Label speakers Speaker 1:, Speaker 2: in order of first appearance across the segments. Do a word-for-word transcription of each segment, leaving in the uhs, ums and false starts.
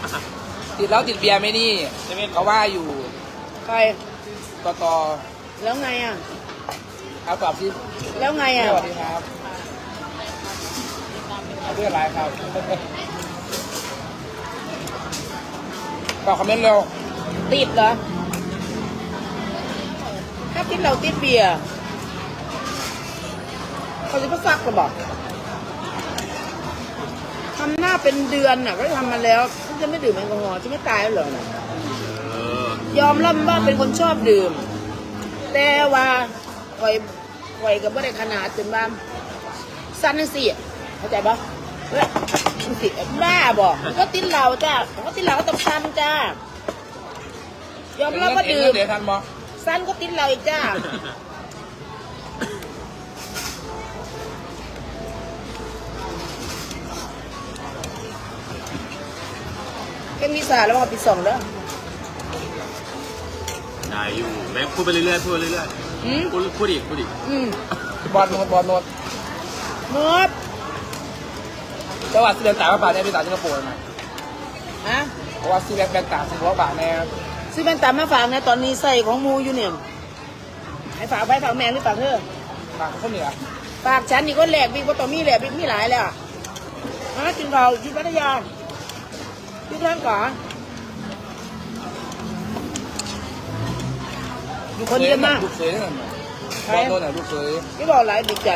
Speaker 1: ติดแล้วติดเบียร์ไหมนี่เขาว่าอยู่
Speaker 2: ใคร
Speaker 1: ต่อต่อ
Speaker 2: แล้วไงอ่ะ
Speaker 1: เอาตอบสิ
Speaker 2: แล้วไงอ่ะ
Speaker 1: สวัสดีครับเอาเรื่องอะไรครับตอบคอมเมนต์เร็ว
Speaker 2: ติดเหรอถ้าติดเราติดเบียร์เขาจะก็ซักกระบอกทำหน้าเป็นเดือนน่ะก็ทำมาแล้วฉันจะไม่ดื่มแอลกอฮอล์ฉันไม่ตายแล้วเหรอน่ะยอมรับว่าเป็นคนชอบดื่ม แต่ว่าคอยคอยกับว่าได้ขนาดจนว่าสั้นนั่นสิเข้าใจปะเฮ้ยสิบ้าบอกก็ติดเหล้าจ้าก็ติดเหล้าก็ต้องสั้นจ้ายอมรับว่าดื่ม
Speaker 1: เดี๋ยวทันบอ
Speaker 2: สั้นก็ติดเหล้าอีกจ้าแค่มีสาแล้วมาปีสองแล้ว
Speaker 3: ได้อยู่แม่พูดไปเรื่อยๆพูดไปเรื่อย
Speaker 2: อืม
Speaker 3: ๆพูดพูดอีกพูดอีก
Speaker 2: อืม
Speaker 1: บอลโนดบอลโนด
Speaker 2: หมด
Speaker 1: จังหวัดสิเดนต่างบาทเนี่ยไปต่างสิงคโปร์ไหม
Speaker 2: ฮะ
Speaker 1: เพราะว่าซีแบงแบงต่างสิงคโปร์บาทแน่
Speaker 2: ซื้อแว่นตามาฝากนะตอนนี้ใส่ของมูอยู่เนี่ยให้ฝากไปฝากแม่หรือฝากเธอ
Speaker 1: ต่างข้าวเหนือ
Speaker 2: ฝากฉันนี่ก็แหลกบิ๊กว่าต่อมีแหลกบิ๊กมีหลายแล้วมากินข้าวที่พัทยาที่ท่านก่อนอยู่คนเดียวมาก
Speaker 1: ลูกเสือนั่นบอลโนดน่ะลูกเสือ
Speaker 2: ที่บอกหลายดีใจ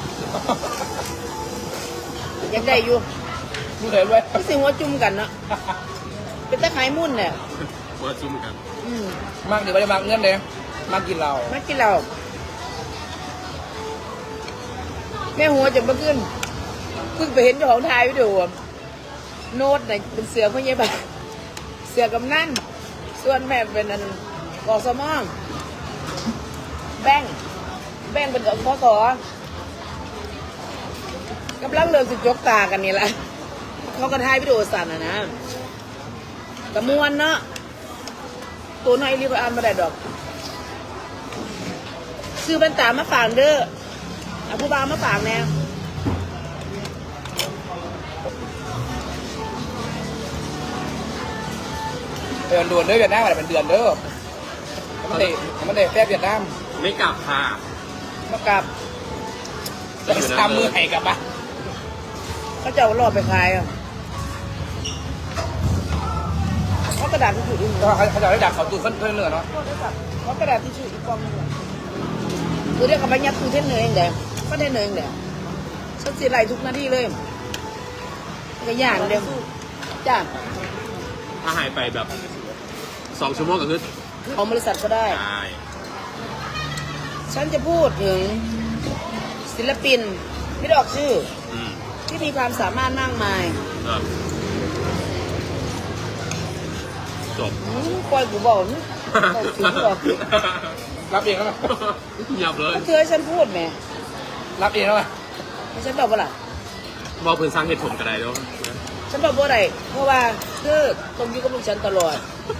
Speaker 2: ยังได้อยู่
Speaker 1: ลูกเสือด้วย
Speaker 2: ที่สิหัวจุ่มกันเนาะเป็นตะไคร้มุ่นเนี่ย
Speaker 3: เวิร์ดซุ่มกัน
Speaker 2: อืม
Speaker 1: มากเดี๋ยวไปมากเงื่อนเลยมากกินเรา
Speaker 2: มากินเราแม่หัวจะมาขึ้นเพิ่งไปเห็นเจ้าของทายวิดีโอโน้ตเนี่ยเป็นเสือพ่อใหญ่บ้านเสือกำนั่นส่วนแม่เป็นอันกอสมองแบงแบงเป็นกับพศกำลังเริ่มสิจกตากันนี่แหละเขาก็ทายวิดีโอสั่นอะนะกระมวลเนาะตัวน้อยรีบอ่านมาได้ดอกซื้อแว่นตามาฝากเด้อเอาผู้บ่าวมาฝากแน่
Speaker 1: เดือนด่วนเด้อเวียดนามอะไรเป็นเดือนเด้อมันเด็มันเด็แซ่บเวียดนาม
Speaker 3: ไม่กลับค่ะ
Speaker 2: มากลับ
Speaker 1: จะไปทำมือให้กลับปะ
Speaker 2: เขาจะเอารอบไปขายอ่ะเขากระดาษที่ถืออีก
Speaker 1: ก็เขาเขาจะได้ดักเขาตู้เพื่อนเนื้อเนาะ
Speaker 2: เขากระดาษที่ถืออีกกองนึงคือเรียกเขาไปยัดคือเทนเนยเองเด้ก็เทนเนยเองเด้ฉันเสียไรทุกนาทีเลยก็ย่างเดียวจ้า
Speaker 3: ถ้าหายไปแบบสองชั่วโมงก็คือ
Speaker 2: ของบริษัทก็ได้
Speaker 3: ได้
Speaker 2: ฉันจะพูดถึงศิลปินไม่ได้ออกชื่อ
Speaker 3: อืม
Speaker 2: ที่มีความสามารถมากมาย
Speaker 3: เออจบ
Speaker 2: อืมปล่อยกูบอกนี่เอาถึงบอก
Speaker 1: รับเองแล้ว
Speaker 3: หยับเลย
Speaker 2: ก็เธอให้ฉันพูดแหม
Speaker 1: รับเองแล้ว
Speaker 2: ให้ฉันบอกว่าล่ะ
Speaker 3: บอกเพื่อนสร้างเหตุผลกันได้ด้วย
Speaker 2: ฉันบอกว่าอะไรเพราะว่าเธอต้องอยู่กับลูกฉันตลอด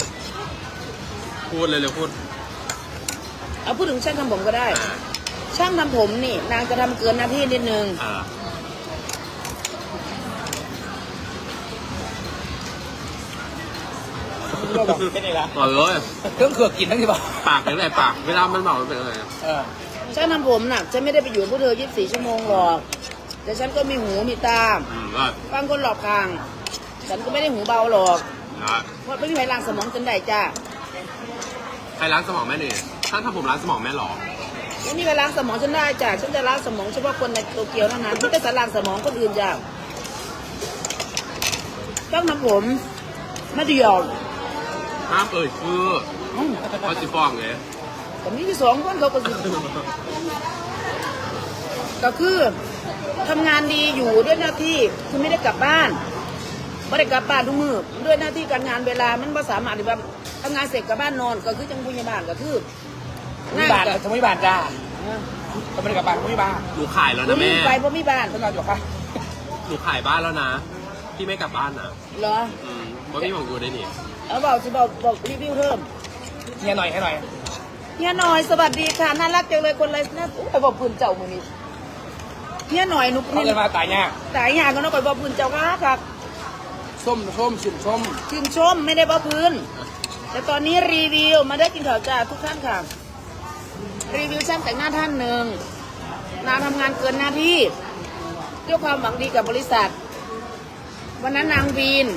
Speaker 3: พูดเลยเลยพูด
Speaker 2: เอาพูดถึงช่างทำผมก็ได้
Speaker 3: อ่า
Speaker 2: ช่างทำผมนี่ นางจะทำเกินหน้าที่นิดนึง
Speaker 3: อ่า
Speaker 1: แค่นี้ละ
Speaker 3: ต่อเลย
Speaker 1: เครื่องเขือกกินทั้งที่บอก
Speaker 3: ปากเป็นไรปากเวลามันเมามันเป็นอะไร
Speaker 1: เออ
Speaker 2: ช่างทำผมน่ะฉันไม่ได้ไปอยู่กับพวกเธอยี่สิบสี่ชั่วโมงหรอก แต่ฉันก็มีหูมีตา
Speaker 3: อืมก็
Speaker 2: ฟังคนหลอกทาง ฉันก็ไม่ได้หูเบาหรอก
Speaker 3: นะ
Speaker 2: เพราะไม่มีใครล้างสมองฉันได้จ้า
Speaker 3: ใครล้างสมองแม่เนี่ยท่านทำผมล้างสมองแม่หรอ
Speaker 2: ไม่มีใครล้างสมองฉันได้จ้าฉันจะล้างสมองเฉพาะคนในโตเกียวเท่านั้นไม่ได้สล้างสมองคนอื่นจ้าช่างทำผมไม่ได้หยอก
Speaker 3: ห้ามเอ่ยชื่อ
Speaker 2: อืม
Speaker 3: เขาจะฟ้องไง
Speaker 2: แต่มีที่สองคนเขาก็สิก็คือทำงานดีอยู่ด้วยหน้าที่คือไม่ได้กลับบ้านไม่ได้กลับบ้านทุกมือด้วยหน้าที่การงานเวลามันภาษามารถที่ว่าทำงานเสร็จกลับบ้านนอนก็คือจังผู้ใหญ่บ้านก็คือ
Speaker 1: มีบาทสมัยบาทจ้าก็ไม่ได้กลับบ้านไม่มีบ้าน
Speaker 3: หนูขายแล้ว
Speaker 2: คุ
Speaker 3: นะ
Speaker 2: ณ
Speaker 3: แม่
Speaker 2: ไปเพราะมีบ้าน
Speaker 1: ฉันนอนอยู่ค่ะ
Speaker 3: หนูขายบ้านแล้วนะ พี่ไม่กลับบ้านนะ
Speaker 2: เหรอ
Speaker 3: อืมเพราะพี่บอกอยู่ได้นี่
Speaker 2: เอาบอกจะบอกบอกรีวิวเพิ่ม
Speaker 1: เฮียหน่อยให้หน่อย
Speaker 2: เฮียหน่อยสวัสดีค่ะน่ารักจังเลยคนไรน่าไปบอกพื้นเจ้ามือนี้เฮียหน่อยหนุก
Speaker 1: เขา
Speaker 2: นี่
Speaker 1: เกินมาตายยาก
Speaker 2: สายงานก็น้องไปบอกพื้นเจ้าค่ะครับส
Speaker 1: ส้มส้มชิมส้ม
Speaker 2: ชื่นชมไม่ได้บ้าพื้น แต่ตอนนี้รีวิวมาได้กินข่าวจ้าทุกท่านค่ะ รีวิวช่างแต่งหน้าท่านหนึ่งนางทำงานเกินหน้าที่ด้วยความหวังดีกับบริษัท วันนั้นนางวีน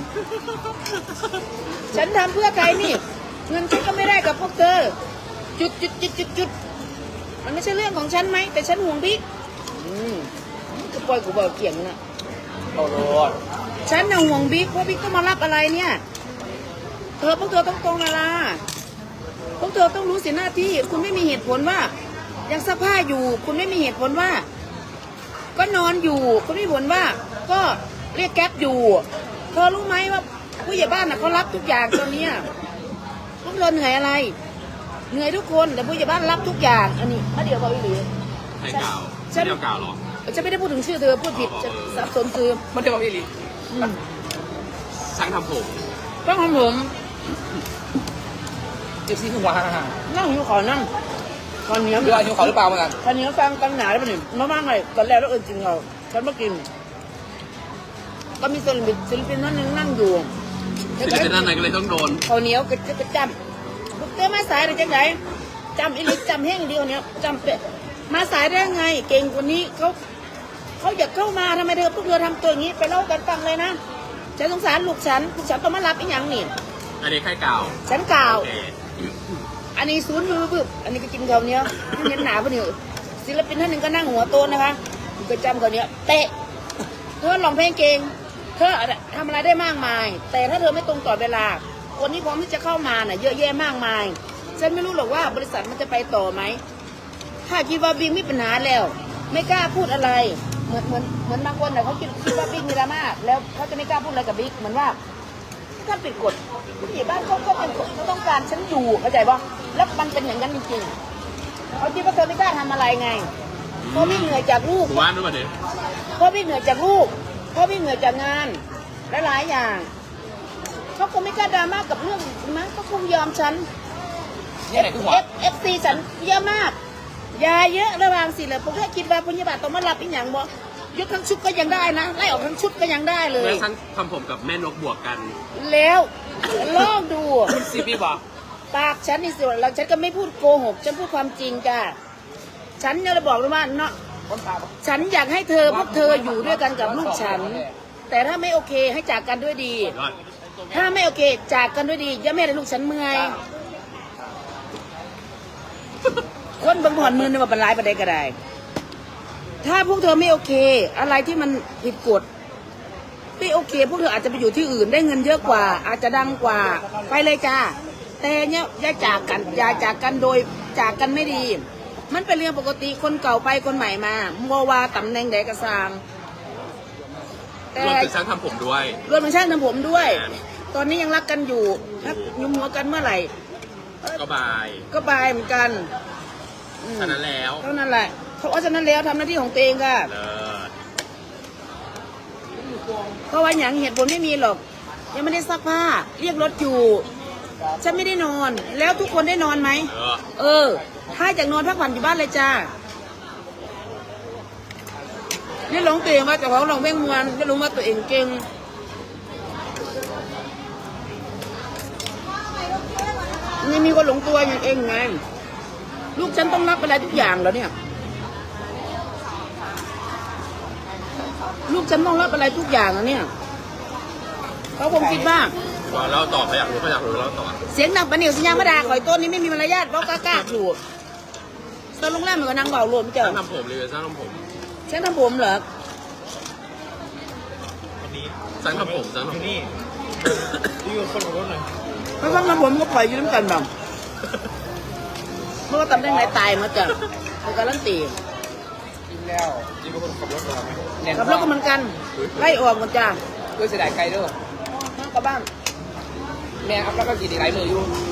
Speaker 2: ฉันทำเพื่อใครนี่ เงินฉันก็ไม่ได้กับพวกเธอ จุดจุดจุดจุดจุดมันไม่ใช่เรื่องของฉันไหม แต่ฉันห่วงบิ๊กอืมก็ปล่อยกูบอกเกี่ยงนะ
Speaker 1: โอ้โห
Speaker 2: ฉันน่ะห่วงบิ๊กเพราะบิ๊กต้องมารับอะไรเนี่ย เธอพวกเธอต้องตรงเวลาพวกเธอต้องรู้สิหน้าที่ คุณไม่มีเหตุผลว่า ยังซักผ้าอยู่ คุณไม่มีเหตุผลว่า ก็นอนอยู่ คุณไม่มีเหตุผลว่า ก็เรียกแก๊ปอยู่ เธอรู้ไหมว่าผู้ใหญ่บ้านน่ะเขารับทุกอย่างตอนเนี้ยพวกเธอเหนื่อยอะไร เหนื่อยทุกคนแต่ผู้ใหญ่บ้านรับทุกอย่าง อันนี้มาเดี๋ยวบอกอีหลี
Speaker 3: ให้กล่าว
Speaker 2: ฉัน
Speaker 3: เดียวกล่าวหรอ
Speaker 2: ฉันไม่ได้พูดถึงชื่อเธอพูดผิดจะสับสนคือ
Speaker 1: มันจะมาพี่ลี
Speaker 2: อืม
Speaker 3: ช่างทำผม
Speaker 2: ต้องของผม
Speaker 1: เจ็บซี่ขึ้นว่า
Speaker 2: นั่งหิวขอนั่งตอนนี้
Speaker 1: เรืออายุเขาหรือเปล่าเหมือนกัน
Speaker 2: ตอนนี้ฟังกันหนาได้ปะเนี่ยมาบ้างเลยตอนแรกแล้วเออจริงเราฉันมากิน ก็มีศิลปินศิลปินนั่นนึงนั่งอยู่
Speaker 3: ศิลปินท่านไหนก็เลยต้องโดน
Speaker 2: ข้าวเหนียวก็จะจำลูกเต้มาสายได้จังไงจำอีลิจำแห้งเดียวเนี้ยจำเปะมาสายได้ไง เก่งกว่านี้เขาเขาอยากเข้ามาทำไมเธอพวกเธอทำตัวอย่างนี้ไปเล่ากันฟังเลยนะฉันสงสารลูกฉันลูกฉันต้องมารับอีหยังนี่
Speaker 3: อันนี้แค่กล่าว
Speaker 2: ฉันกล่าว
Speaker 3: โอเค
Speaker 2: อันนี้ศูนย์มือบึบอันนี้ก็กินข้าวเหนียวเห็นหนาปะเนี่ยศิลปินท่านหนึ่งก็นั่งหัวโตนนะคะก็จำข้าวเหนียวเตะเธอร้องเพลงเก่งเธอทำอะไรได้มากมาย แต่ถ้าเธอไม่ตรงต่อเวลาคนที่พร้อมที่จะเข้ามาน่ะเยอะแยะมากมายฉันไม่รู้หรอกว่าบริษัทมันจะไปต่อไหมถ้าคิดว่าบิ๊กมีปัญหาแล้ว ไม่กล้าพูดอะไรเหมือนเหมือนเหมือนบางคนน่ะเขาคิดคิดว่าบิ๊กมีดราม่าแล้วเขาจะไม่กล้าพูดอะไรกับบิ๊กเหมือนว่าถ้าปิดกฎผู้ใหญ่บ้านเขาก็เป็นกฎเขาต้องการฉันอยู่เข้าใจป่ะแล้วมันเป็นอย่างนั้นจริงๆเขาคิดว่าเธอไม่กล้าทำอะไรไงเพราะพี่เหนื่อยจากลูก
Speaker 3: หมู่บ้านด้วยป่ะเนี่ย
Speaker 2: เพราะพี่เหนื่อยจากลูกเพราะพี่เหนื่อยจากงานและหลายอย่างเขาคงไม่กล้าดราม่ากับเรื่องมั้งเขาคงยอมฉัน
Speaker 1: เนี่ยไหนคือหัว
Speaker 2: เอฟเอฟซีฉันเยอะมากยาเยอะระวังสิเลยผมแค่คิดว่าพยาบาลต้องมารับอีกอย่างบ่ยกทั้งชุดก็ยังได้นะไล่ออกทั้งชุดก็ยังได้เล
Speaker 3: แม่
Speaker 2: ย
Speaker 3: ช่างทำผมกับแม่นกบวกกัน
Speaker 2: แล้วลองดู
Speaker 1: ซีพีบอก
Speaker 2: ปากฉันนี่สิแล้วฉันก็ไม่พูดโกหกฉันพูดความจริงจ้ะฉันเนี่ยจะบอกเลยว่าเนาะ
Speaker 1: คนตาบอก
Speaker 2: ฉันอยากให้เธอพวกเธออยู่ด้วยกันกับลูกฉัน แต่ถ้าไม่โอเคให้จากกันด้วยดี
Speaker 3: ยอด
Speaker 2: ถ้าไม่โอเคจากกันด้วยดีอย่าแม่ให้ลูกฉันเมื่อยคนบางผ่อนมือเนี่ยมาบรรลัยประเด็นก็ได้ ถ้าพวกเธอไม่โอเค อะไรที่มันผิดกฎไม่โอเค พวกเธออาจจะไปอยู่ที่อื่นได้เงินเยอะกว่า อาจจะดังกว่าไปเลยจ้าแต่เนี่ยอย่าจากกันอย่าจากกันโดยจากกันไม่ดี มันเป็นเรื่องปกติคนเก่าไปคนใหม่มาโมวาตำแหน่งใดกระซางแต่
Speaker 3: รวมถึงช่างทำผมด้วย
Speaker 2: รวมถึงช่างทำผมด้วย ตอนนี้ยังรักกันอยู่ถ้ายุมหัวกันเมื่อไหร่
Speaker 3: ก็บาย
Speaker 2: ก็บายเหมือนกันอืม
Speaker 3: ฉะนั้นแล้ว
Speaker 2: เท่านั้นแหละเพราะฉะนั้นแล้วทำหน้าที่ของตัวเองค่ะ
Speaker 3: เลิศ
Speaker 2: เพราะว่าอย่างเหตุผลไม่มีหรอก ยังไม่ได้ซักผ้าเรียกรถอยู่ ฉันไม่ได้นอน แล้วทุกคนได้นอนไหม
Speaker 3: เออ
Speaker 2: เออ ถ้าจากนอนพักผ่อนอยู่บ้านเลยจ้านี่หลงตัวเองว่าแต่เขาหลงเบ่งมวนไม่รู้ว่าตัวเองเก่งนี่มีคนหลงตัวอย่างเองไงลูกฉันต้องรับอะไรทุกอย่างแล้วเนี่ย ลูกฉันต้องรับอะไรทุกอย่างแล้วเนี่ยเขาคงคิดว่า
Speaker 3: ว่าเราตอบเขาอยากรู้เขาอยากรู้เราตอบ
Speaker 2: เสียงดังปะเหนียวสัญญาไม่ด่าข่อยต้นนี้ไม่มีมารยาทเพราะกล้ากล้าถูกตอนโรงแรมเหมือนกับนางเบาโลมเจ้า
Speaker 3: ช่างทำผมรีวิวช่างทำผม
Speaker 2: ฉันทำผมเหรอ
Speaker 3: ช่างทำผมช่างทำผมนี่
Speaker 2: ไม่ฟังทำผมก็ปล่อยอยู่น้ำกันบ้างเพราะว่าตำแหน่งไหนตายมาจ้ะเป็นการันตี
Speaker 1: กินแล้วกินกับคนขับรถเหรอเนี่ย
Speaker 2: กับรถก็เหมือนกันไล่ออกหมดจ้ะ
Speaker 1: ด้วยเสียดายไกลเด้อ
Speaker 2: มากกับบ้าน
Speaker 1: แม่ครับแล้วก็กินอีกหลายมืออยู่